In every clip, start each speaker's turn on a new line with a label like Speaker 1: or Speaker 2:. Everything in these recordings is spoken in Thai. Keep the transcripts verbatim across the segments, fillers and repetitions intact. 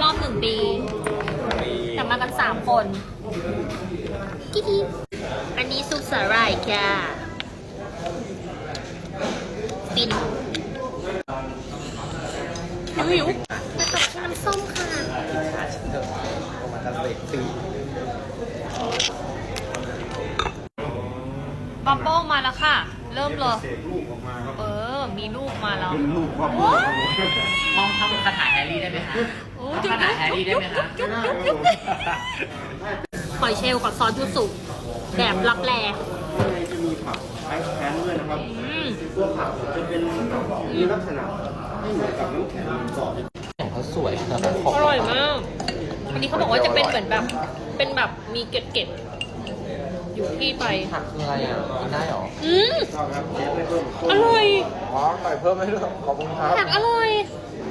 Speaker 1: อบหนึ่งปีแต่มากันสามคนกิ๊กอันนี้ซุปสาหร่ายค่ะฟินหิวมาตักน้ำส้มค่ะบับเบิ้ลมาแล้วค่ะเริ่มเลยเออมีลูกมาแล้ว
Speaker 2: เป็นลูกความ
Speaker 3: มองทำคาถาแฮร์รี่ได้ไหมคะคาถาแฮร์รี่ได้ไหมคะ
Speaker 1: หอยเชลล์กับซอสยูสุแบบรับแล
Speaker 2: จะมีผักไอซ์แคนด้วยนะครับตัวผักจะเป็นมีลักษณะไม่เหมือนกับน้ำแข็งก่อน
Speaker 3: ของเขาสวยนะ
Speaker 1: อร่อยมากอันนี้เขาบอกว่าจะเป็นเหมือนแบบเป็นแบบมีเกล็ดๆอยู่ที่ไป
Speaker 3: ผักคืออะไรอ่ะกินได้หรอ
Speaker 1: อืมอร่อย
Speaker 2: อ๋อใส่เพิ่มให้ด้วยขอบคุณครับ
Speaker 1: ผักอร่อย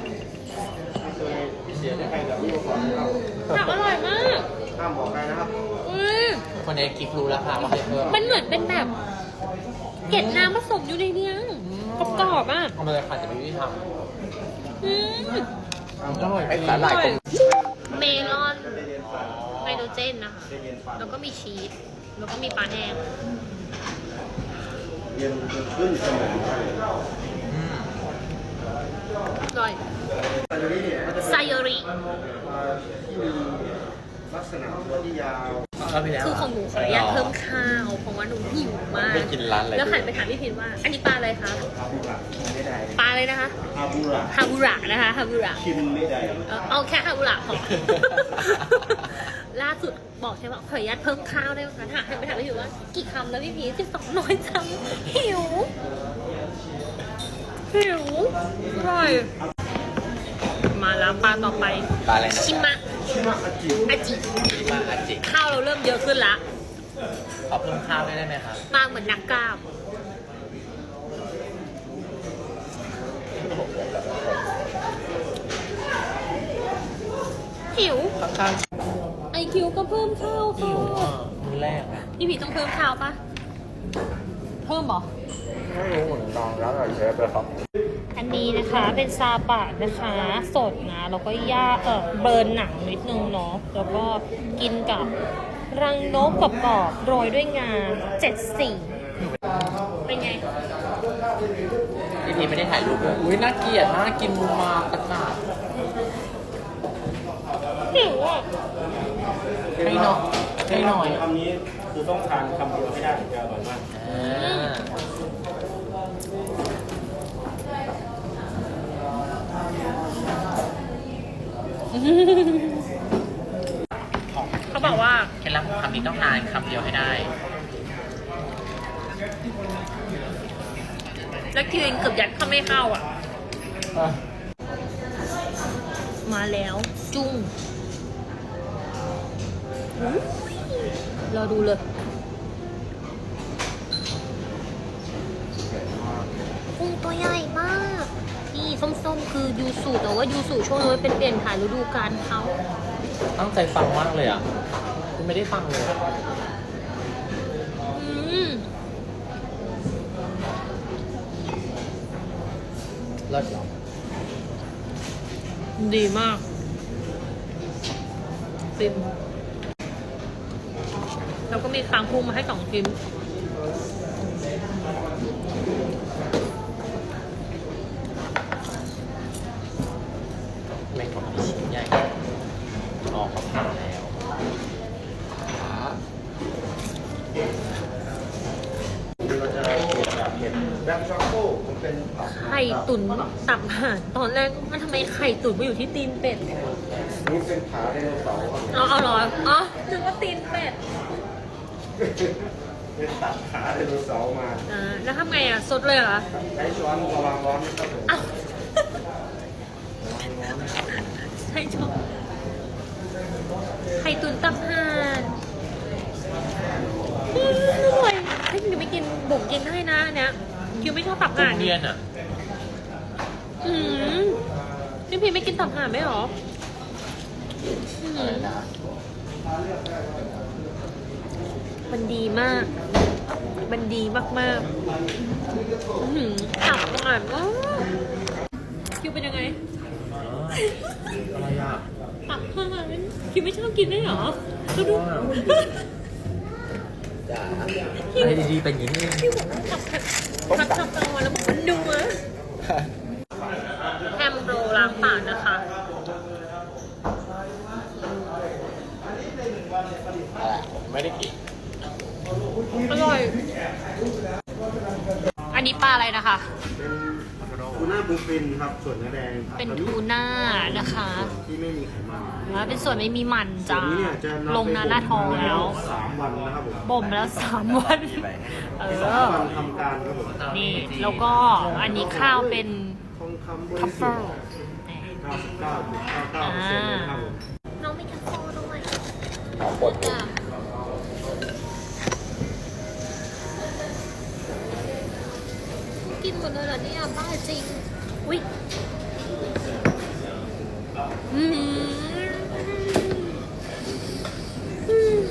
Speaker 1: ผักอร่อยมาก
Speaker 2: ห้ามบอกใครนะครับ
Speaker 3: คนนี้กิ๊กรู้แล้วค่ะว่าให้เพิ่ม
Speaker 1: มันเหมือนเป็นแบบเกล็ดน้ำผสมอยู่ในนี้กรอบๆอ่ะ
Speaker 3: ทำมาเลยค่ะจะไม่วิธีทำ
Speaker 1: อืม
Speaker 3: อร่อยไอ้สาหร่าย
Speaker 1: เมลอนไฮโดรเจนนะคะแล้วก็มีชีสแล้วก็มีปลาแห้ง
Speaker 2: เย็นขึ้นสมอง
Speaker 1: อร่อยไซโยริ
Speaker 2: ลักษณะตัวที่ยาว
Speaker 1: คือของหนูขออนุญาตเพิ่มข้าวเพราะว่าหนูหิวมากแล้วหันไปถามพี่พินว่าอันนี้ปลาอะไรคะปลาอะไรนะคะ
Speaker 2: ฮาบุระ
Speaker 1: ฮาบุระนะคะฮาบุระ
Speaker 2: ชิมไม่ได้
Speaker 1: เอาแค่ฮาบุระพอล่าสุดบอกใช่ไหมขออนุญาตเพิ่มข้าวได้ไหมคะถามไปถามพี่พินว่ากี่คำแล้วพี่พินสิบสองน้อยจังหิวหิวอร่อยมาแล้วปลาต่อไป
Speaker 3: ปลาอะไรนะ
Speaker 1: ชิมะ
Speaker 2: ชิมะอาจิ
Speaker 1: อาจิ
Speaker 3: ชิมะอาจิ
Speaker 1: ข้าวเราเริ่มเยอะขึ้นละ
Speaker 3: ขอเพิ่มข้าวได้ไหมคะ
Speaker 1: มาเหมือนนักกล้ามหิวไอคิวก็เพิ่มข้าวค่ะ
Speaker 3: มื้อแรก
Speaker 1: พี่ผีต้องเพิ่มข้าวปะเพิ่มหรอ
Speaker 2: ไม่รู้เหมือนกันแล้วแต่เชฟเลยครับ
Speaker 1: อันนี้นะคะเป็นซาบะนะคะสดนะแล้วก็ย่าเออเบิร์นหนังนิดนึงเนาะแล้วก็กินกับรังนกกรอบๆโรยด้วยงาเจ็ดสีเป็นไง
Speaker 3: พี่พีไม่ได้ถ่ายรูปเลยอุ้ยน่าเกลียดน่ากินมาตะขาบ
Speaker 1: หิวอ่ะ
Speaker 3: ให้หน่อยให้หน่อย
Speaker 2: คำนี้คือต้องทานคำเดียวให้ได้ถึงจะอร่อยมาก
Speaker 1: เขาบอกว่า
Speaker 3: เคล็ดลับของคำนี้ต้องทานคำเดียวให้ได้
Speaker 1: แล้วคิวเองเกือบยัดเข้าไม่เข้าอ่ะมาแล้วจุ้งรอดูเลยกุ้งตัวใหญ่มากนี่ส้มๆคือยูสุแต่ว่ายูสุช่วงนี้เป็นเปลี่ยนถ่ายฤดูกาลเขา
Speaker 3: ตั้งใจฟังมากเลยอ่ะคุณไม่ได้ฟังเลย
Speaker 1: อืม
Speaker 3: เลิศหรอ
Speaker 1: ดีมากฟิมแล้วก็มีคางกุ้งมาให้สองชิ้น
Speaker 3: แม่งของมีชิ้นใหญ่ออกเขาผ่านแล้ว
Speaker 2: เราจะแบบเห็ดแบล็คช็อกโก้มันเป็น
Speaker 1: ไข่ตุ๋นตับห่านตอนแรกมันทำไมไข่ตุ๋นมาอยู่ที่ตีนเป็ด
Speaker 2: นี่เป็นขาไดโนเสาร์
Speaker 1: เอาเอาหรออ๋อนึกว่าตีนเป็ด
Speaker 2: เป็นตัดขาไดโนเสาร์มา
Speaker 1: อ่าแล้วทำไงอ่ะสดเลยเหรอ
Speaker 2: ใช้ช้อนระวังร้อนนะครับผม
Speaker 1: อ้าวใช้ช้อนไข่ตุ๋นตับห่านอร่อยให้คิวไม่กินบุ๋มกินให้นะเนี่ยคิวไม่ชอบตับห่าน
Speaker 3: เรียนอ่ะ
Speaker 1: อืมพี่พีไม่กินตับห่านไหมหรอ
Speaker 3: อะไรนะ
Speaker 1: มันดีมากมันดีมากๆหืมตับห่านคิวเป็นยังไง
Speaker 3: อะไรอ่ะ
Speaker 1: ตับคิดไม่ชอบกินได้เหรอดูดู
Speaker 3: จ้าอะไรดีๆเป็นอย่างนี้
Speaker 1: พี่บอกว่าทำทำทำกลางวันแล้วบอกมันนัวแฮมโรล้างปากนะคะ
Speaker 3: อะไรผมไม่ได้กิน
Speaker 1: อร่อย อันนี้ปลาอะไรนะคะ
Speaker 2: ทูน่าบลูฟินครับส่วนเนื้อแดงครับ
Speaker 1: เป็นทูน่านะคะ
Speaker 2: ส่วนที่ไม่มีไขมัน
Speaker 1: แล้วเป็นส่วนไม่มีมัน
Speaker 2: ส่ว
Speaker 1: จ้าน
Speaker 2: นี้เนี่ยจะำ
Speaker 1: ลงหน้าหน้าทองแล้ว
Speaker 2: สามวันนะครับผม
Speaker 1: บ่มแล้วสามวัน เอ
Speaker 2: สาม
Speaker 1: อ
Speaker 2: วันทำการครับผม
Speaker 1: นี่แล้วก็อันนี้ข้าวเป็น
Speaker 2: ทองคำบ
Speaker 1: ทั
Speaker 2: ริ
Speaker 1: ฟ
Speaker 2: สุ
Speaker 1: เฟิ
Speaker 2: ท
Speaker 1: ล
Speaker 2: ธิ์เก้าสิบเก้าจุดเก้าเก้าเปอร์เซ็นต์เลยนะครับผม
Speaker 1: น้องมีทัฟเฟิลด้วย
Speaker 3: หอมปวดหัว
Speaker 1: กินหมดเลยเหรอเนี่ยบ้าจริง อุ้ยอืมอืม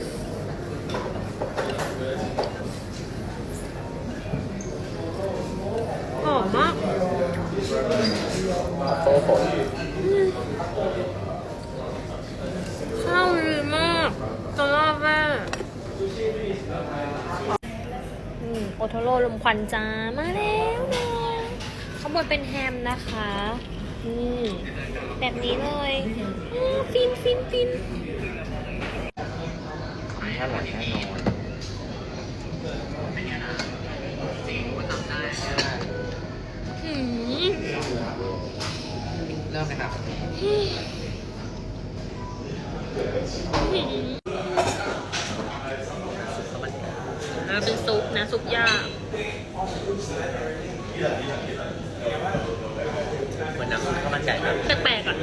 Speaker 1: หอมมาก
Speaker 3: โอ้โห
Speaker 1: ข้าวดีมากจะรอบแม่อืมโอโทโร่ลมควันจ้ามาแล้วนะข้างบนเป็นแฮมนะคะอืมแบบนี้เลยอืมฟินฟินฟิน
Speaker 3: อร่อยแน่นอน
Speaker 1: อืม
Speaker 3: เริ่มเลยครับ
Speaker 1: อืมอ่าเป็นซุปนะ ซุปย่า
Speaker 3: เหมือนน้ำซุปข้าวมันไก่ครับ
Speaker 1: แปลกๆอ่ะ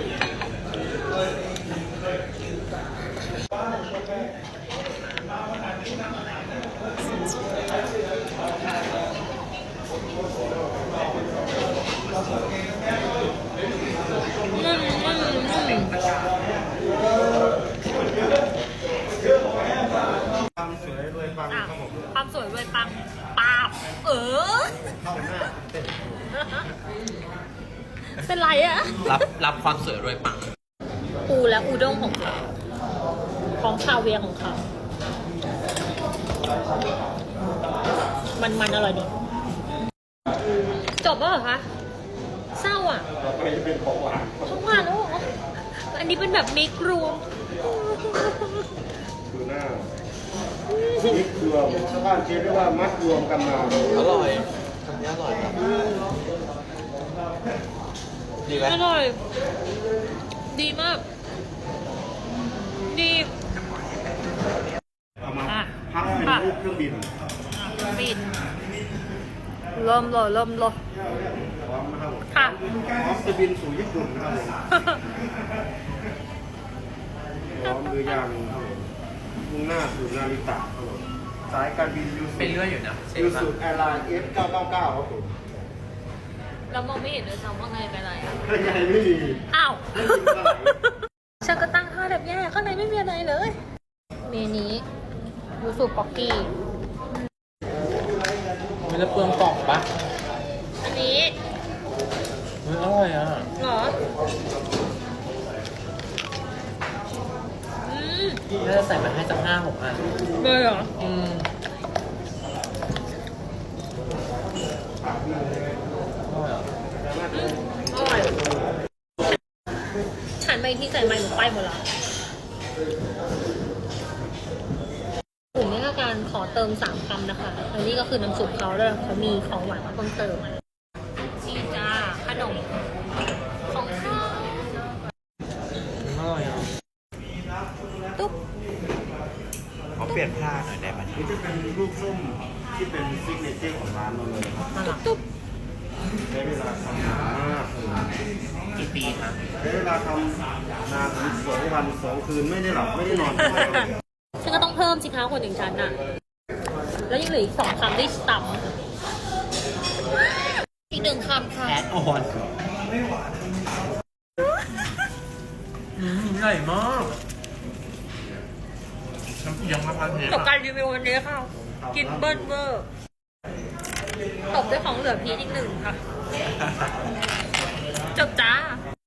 Speaker 1: อืมอืมอืม
Speaker 2: ความสวยด้วยความ
Speaker 1: อ่ะ
Speaker 2: ครับผม
Speaker 1: ความสวยรวยปังปาบเออ
Speaker 2: เข้าหน้าเต้น
Speaker 1: เป็นไรอะ
Speaker 3: รับรับความสวยรวยปัง
Speaker 1: ปูและอูด้งของเขาของชาวเวียงของเขา มันมันอร่อยดี จบแล้วเหรอคะ เศร้าอ่ะ
Speaker 2: ต่อไปจะเป็นของหวาน
Speaker 1: ของหวานแล้วเหรออันนี้เป็นแบบมิกรวม
Speaker 2: ทูน่ามิกรวมชาวบ้านเรียกว่ามัดรวมกันมา
Speaker 3: อร่อยทำนี้อร่อยครับดีไหม
Speaker 1: อร่อย ดีมาก ดี
Speaker 2: เอามา
Speaker 1: อ่ะ
Speaker 2: พับเป็นรูปเครื่องบิน
Speaker 1: ปิดเริ่มเลยเริ่มเลย
Speaker 2: พร้อมนะครับผม
Speaker 1: ค่ะ
Speaker 2: พร้อมจะบินสู่ญี่ปุ่นนะครับผมพร้อมหรือยังครับผมมุ่งหน้าสู่นาริตะครับผมสายการบินยู
Speaker 3: ไปเรื่อยอยู่นะเชฟ
Speaker 2: ยู
Speaker 3: นะ
Speaker 2: สุแอร์ไลน์ เอฟ เก้าเก้าเก้าครับผม
Speaker 1: เรามองไม่เห็นเลยซ้ำว่าไงเป็นไรอ่ะ
Speaker 2: ข้างในไม่มี
Speaker 1: อ้าว
Speaker 2: ไม่มีเท่าไหร่
Speaker 1: ฉันก็ตั้งค่าแบบแย่ข้างในไม่มีอะไรเลย เมนี้ยูสุป๊อกกี้
Speaker 3: ไม่ได้เปลืองกล่องปะ
Speaker 1: อันนี้
Speaker 3: เฮ้ยอร่อยอ่ะ
Speaker 1: เหรอ อืม
Speaker 3: น่าจะใส่มาให้สักห้าหกอัน
Speaker 1: เลยเหรอ
Speaker 3: อืมอร่อยอ่ะ
Speaker 1: อืมอร่อยฉันไปที่ใส่ไม้หนูไปหมดละกลุ่มนี้ก็การขอเติมสามคำนะคะอันนี้ก็คือน้ำซุปเขาด้วยเขามีของหวานมาเพิ่มเติมมานี่จ้าขนมของข้าว
Speaker 3: อร่อยอ่ะ
Speaker 1: ตุ๊บ
Speaker 3: เขาเปลี่ยนผ้าหน่อยได้ไหม
Speaker 2: นี่จะเป็นลูกส้มที่เป็นซิกเนเจอร์ของร้านเราเลยครับ
Speaker 3: น่ารัก
Speaker 1: ตุ๊บ
Speaker 2: ใช้เวลาทำนานมาก
Speaker 3: กี่ปีครับ
Speaker 2: ใช้เวลาทำนานถึงสองวันสองคืนไม่ได้หลับไม่ได้นอน
Speaker 1: ฉันก็ต้องเพิ่มสิคะคนอย่างฉันน่ะ แล้วยังเหลืออีกสองคำที่ต่ำอีกหนึ่งคำค่ะ
Speaker 3: แอดออนอืมใหญ่มากน้ำยังมาพันเทป
Speaker 1: จบการรีวิววันนี้ค่ะ กินเบิ้ลเวอร์ตบด้วยของเหลือพีชอีกหนึ่งค่ะ จบจ้า